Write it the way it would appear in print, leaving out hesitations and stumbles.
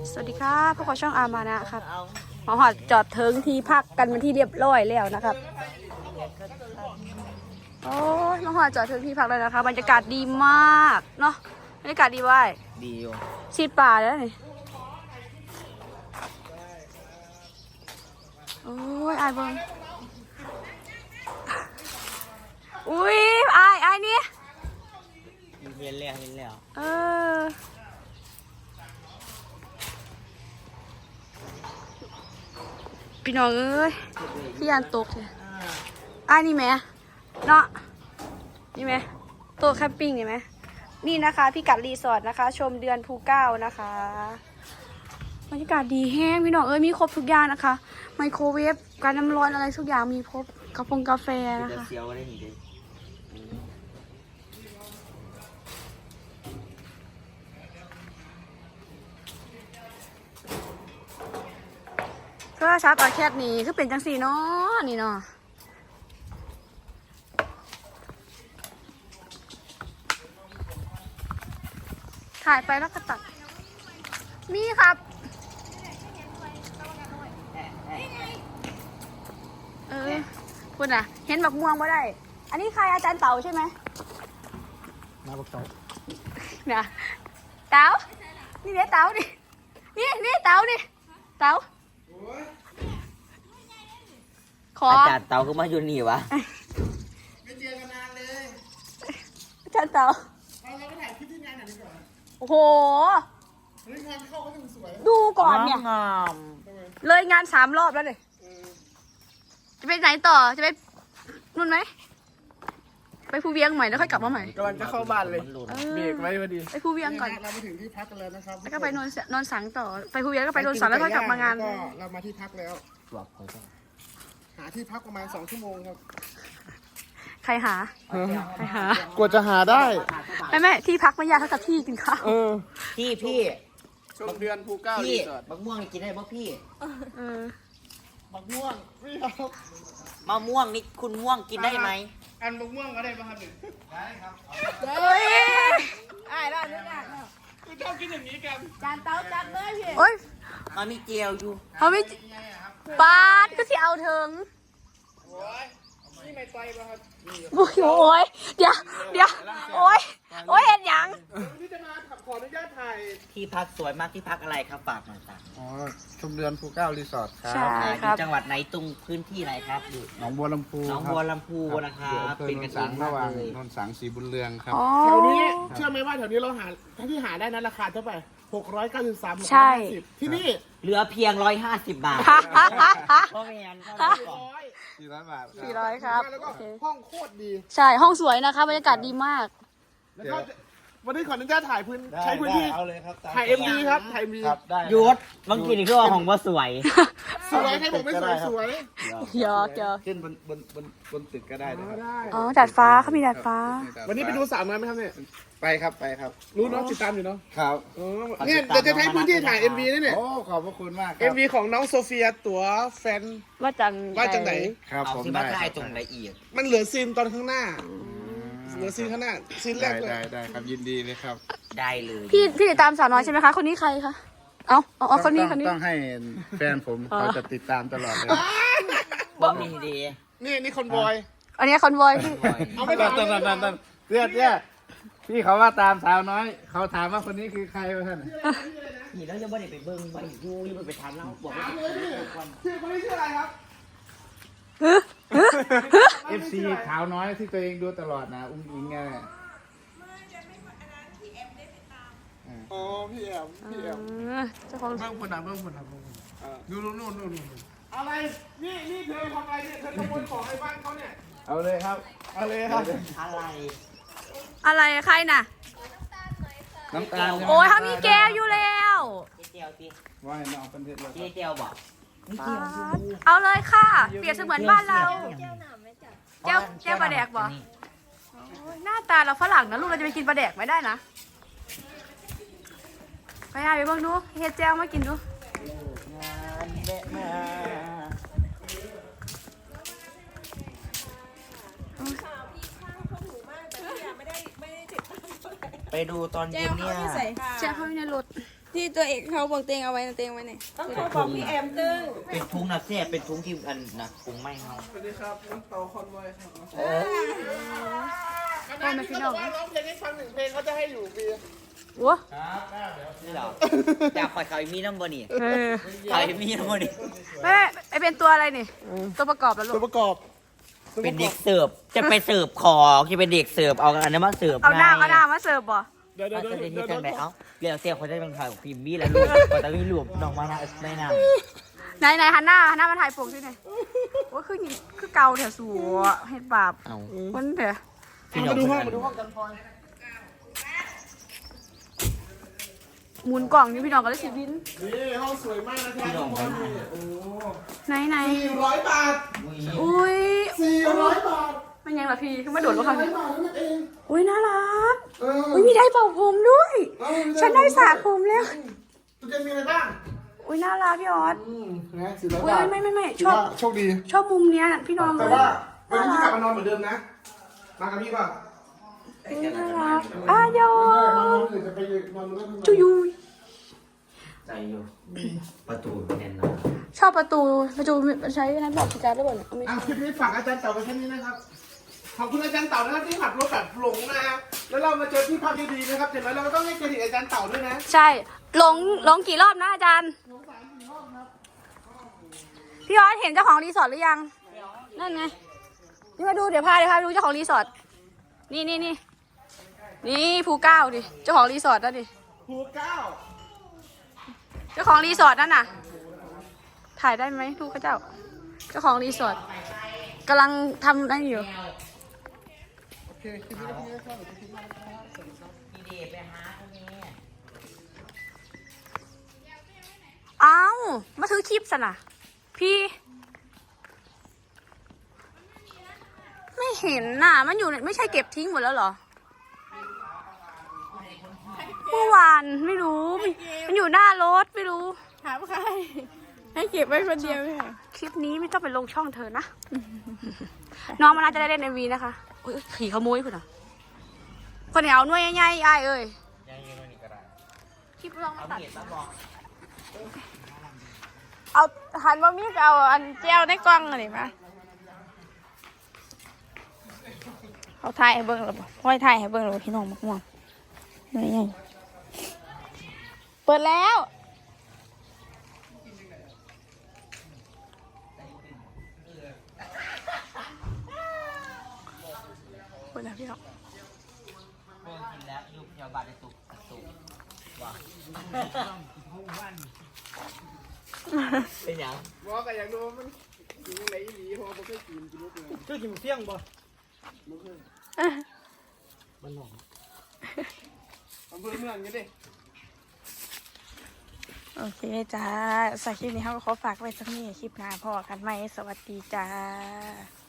สวัสดีครับพวกเราช่องอามานะครับมาหอดจอดเทิงที่พักกันเป็นที่เรียบร้อยแล้วนะครับโอ้ยมาหอดจอดเทิงที่พักเลยนะคะบรรยากาศดีมากเนาะบรรยากาศดีว่ายดีอยู่ชีดป่าแล้วนี่โอ้ยอายเบิ้งอุ้ยอายนี่เห็นแล้วพี่น้องเอ้ยพี่ยันตกเลยนี่ไหมเนาะนี่ไหมโต๊ะแคมปิ้งนี่ไหมนี่นะคะพี่กัดรีสอร์ทนะคะชมเดือนภูเก้านะคะบรรยากาศดีแห้งพี่น้องเอ้ยมีครบทุกอย่างนะคะไมโครเวฟการน้ำร้อนอะไรทุกอย่างมีครบกาแฟนะคะก็ชาร์จต่อแคบนี้คือเป็นจังสีเนาะนี่เนาะถ่ายไปแล้วก็ตัดนี่ครับคุณอ่ะเห็นบักม่วงมาได้อันนี้ใครอาจารย์เต๋าใช่ไหมมาบักเต๋าเนี่ยเต๋านี่เดี๋ยวเต๋าดินี่เต๋าดิเต๋าขออาจารย์เต๋าก็มาอยู่นี่วะไม่เจอกันนานเลยอาจารย์เต๋าเราก็ถ่ายคลิปที่งานหน่อยดีกว่าโอ้โหเฮ้ยงานเข้าก็ถึงสวยดูก่อนเนี่ยเลยงาน3 รอบแล้วเลยจะไปไหนต่อจะไปนู่นไหมไปภูเวียงใหม่แล้วค่อยกลับมาใหม่กำลังจะเข้าบ้านเลยเบรกไว้พอดีไปภูเวียงก่อนเรามาถึงที่พักกันแล้วนะครับแล้วก็ไปนอนสังต่อไปภูเวียงก็ไปนอนสังแล้วค่อยกลับมางานก็เรามาที่พักแล้วหาที่พักประมาณ2 ชั่วโมงครับใครหกว่าจะหาได้ไม่ที่พักไม่ยากเท่ากับที่กินข้าวพี่ชมเดือนภูเก้ารีสอร์ทบักม่วงกินได้ป่ะพี่บักม่วงไม่เอามะม่วงนี่คุณม่วงกินได้ไหมอันบักม่วงก็ได้ป่ะครับได้ครับได้คุณชอบกินอย่างนี้กันจานเตาจัดเลยพี่โอ้ยมันมีเจียวอยู่เขาไม่ปาดก็ที่เอาถึงนี่ไม่ไตป่ะครับโอ้ยเดี๋ยวโอ้ยเห็นยังที่จะมาขออนุญาตถ่ายที่พักสวยมากที่พักอะไรครับฝากหน่อยครับชมเดือนภูเก้ารีสอร์ทครับอยู่จังหวัดไหนตรงพื้นที่ไหนครับอยู่หนองบัวลำพูนะครับเป็นกันเองระหว่างนนสังสีบุญเรืองครับแถวนี้เชื่อไหมว่าแถวนี้เราหาที่หาได้นะราคาเท่าไหร่693 ใช่ที่นี่เหลือเพียง150 บาทพ่อแม่ 400 บาท 400ครับแล้วก็ห้องโคตรดีใช่ห้องสวยนะคะบรรยากาศดีมากวันนี้ขออนุญาตถ่ายใช้พื้นที่ถ่าย MV ครับถ่าย MV ยุดบางทีนี่คือว่าของว่าสวยให้ผมไม่สวยยอกขึ้นบนตึกก็ได้นะครับดาดฟ้าเขามีดาดฟ้าวันนี้ไปดูสามงานไหมครับเนี่ยไปครับรู้น้องติดตามอยู่เนาะครับเนี่ยจะใช้พื้นที่ถ่าย MV นี่เนี่ยโอ้ขอบพระคุณมาก MV ของน้องโซเฟียตัวแฟนว่าจังไหนครับผมได้ตรงละเอียดมันเหลือซีนตอนข้างหน้าเหลือซีนข้างหน้าซีนแรกเลยได้ครับยินดีเลยครับได้เลยพี่ติดตามสาวน้อยใช่ไหมคะคนนี้ใครคะเอาคนนี้ต้องให้แฟนผมเขาจะติดตามตลอดเลยบ้องมีดีนี่คอนบอยอันนี้คอนบอยพี่เอาไม่ต้องเรียกพี่เขาว่าตามสาวน้อยเขาถามว่าคนนี้คือใครวะท่านนี่แล้วจะไม่ได้ไปเบิ้งไปดูไปถามเราบอกว่าชื่อคนนี้ชื่ออะไรครับ FC ขาวน้อยที่ตัวเองดูตลอดนะอุ้งอิงไงอ๋อพี่แอมเจ้าของเบิ้งผลนะดูนู่นอะไรนี่เธอทำอะไรเนี่ยเธอขโมยของในบ้านเขาเนี่ยเอาเลยครับอะไรใครน่ะน้ำตาลโอ้ยเขามีแก้วอยู่แล้วเจียวสิว่าให้น้องเป็นเทศเลยเจียวบอกเอาเลยค่ะเปรียบเสมือนบ้านเราแก้วปลาแดกบอกหน้าตาเราฝรั่งนะลูกเราจะไปกินปลาแดกไม่ได้นะไปหาไปเบิ่งดูเฮ็ดแจ้วมากินดูไปดูตอนเย็นเนี่ยแจ้วเขาอยู่ในรถที่ตัวเอกเขาบอกเตงเอาไว้นะเตงไว้ไหนต้องโทรบอกพี่แอมตึงเป็นทุงนะแซ่บเป็นทุงที่อันนะทุงไม่เฮาสวัสดีครับน้องเตาคอนไวครับได้ไหมพี่น้องว่าร้องเพลงให้ฟังหนึ่งเพลงเขาจะให้อยู่ฟรีโอ้นี่เหรออยากคอยเขามีน้ำบ่นี่เออเขามีน้ำบ่นี่ไม่ไอเป็นตัวอะไรนี่ ตัวประกอบแล้วลูตัวกประกอบเป็นเด็กเสิร์ฟจะไปเสิร์ฟของจะเป็นเด็กเสิร์ฟเอาอันนั้นมาเสิร์ฟเอาหน้ามาเสิร์ฟบ่เดี๋ยวเอาเดี๋ยวจะเดี๋ได้ยวที่จังไหนเอ้าเรียกเสียคนได้เป็นข่าวพิมพ์มีแล้วลูกก็จะรวบน้องมาได้นานไหนหันหน้ามาถ่ายปกที่ไหนว่าคือเกาแถวสัวเห็ดบาปเอามันเถอะพี่น้องมาดูคนห้องนั้นมาดูห้องกันพลอยหมุนกล่องนี่พี่น้องก็เลยสิบินนี่ห้องสวยมากนะครับทุกคนโอ้ไหน 400 บาทอุ้ย 400 บาทมันยังละพี่คือมาโดดลงคำนี้ 400 บาทนั่นเองอุ้ยน่ารักเอออุ้ยมีได้เป่าผมด้วย ฉันได้สระผมแล้วตัวจะมีอะไรบ้างอุ้ยน่ารักพี่ออสนะ400 อุ้ยบาทไม่ชถือบว่าโชคดีชอบมุมเนี้ยพี่น้องแต่ว่าวันนี้พี่กลับมานอนเหมือนเดิมนะ มากับพี่ป่ะอุ้ยน่ารักอ้ายอมานอนอื่นจะไปนอนด้วยจุยุยใจอยู่ประตูแน่นอนชอบประตูใช้นั้นบอกพิการได้บ่เนี่ยเอาไม่อ่ะใช่คลิปนี้ฝากอาจารย์เต่าไปแค่นี้นะครับ ขอบคุณอาจารย์เต่านะครับที่ขับรถแบบหลงนะครับแล้วเรามาเจอที่พักดีๆนะครับอย่างไรเราก็ต้องให้เครดิตอาจารย์เต่าด้วยนะใช่หลงกี่รอบนะอาจารย์พี่ออสเห็นเจ้าของรีสอร์ทหรือยังนั่นไงนี่มาดูเดี๋ยวพาไปดูเจ้าของรีสอร์ทนี่ภูเก้าดิเจ้าของรีสอร์ทนั่นดิภูเก้าเจ้าของรีสอร์ทนั่นน่ะถ่ายได้ไหมลูกเจ้าของรีสอร์ทกำลังทำนั่นอยู่โอเคคลิปนี้ก็เพียงเท่านี้ครับพี่เดชไปหาคนนี้เอ้ามาถือคลิปสินะพี่ไม่เห็นน่ะมันอยู่ไม่ใช่เก็บทิ้งหมดแล้วเหรอเมื่อวานไม่รู้มันอยู่หน้ารถไม่รู้ถามใครให้เก็บไว้คนเดียวไหมคะคลิปนี้ไม่ต้องไปลงช่องเธอนะ น้องมันน่าจะได้เล่น MV นะคะอุ้ยขี่ขโมยคุณอ่ะคนเหนียวหน่วยใหญ่ๆอ้ายเอ้ยยังยังไม่มีกระดาษคลิปลองมาเอาตัดเห็ดมาบอกเอาหันมามีดเอาอันเจียวในกล้องอะไรมาเขาถ่ายให้เบิ้งหรือเปล่าห้อยถ่ายให้เบิ้งหรือเปล่าพี่น้องมักม่วงนี่ไงเปิดแล้วเปิดแล้วพี่น้องเบิ่งกินแล้วยุบเยาบาดในตุกว่าเป็นยังบอกกันอยากดูว่ามันกินยังไงอีหลีเพราะว่าผมเคยกินลูกเลยเจ้ากินเสี่ยงบ่อำเภอเมืองนี่ดิโอเคจ้าสำหรับคลิปนี้เขาก็ขอฝากไว้สักนี้คลิปหน้าพอกันไหมสวัสดีจ้า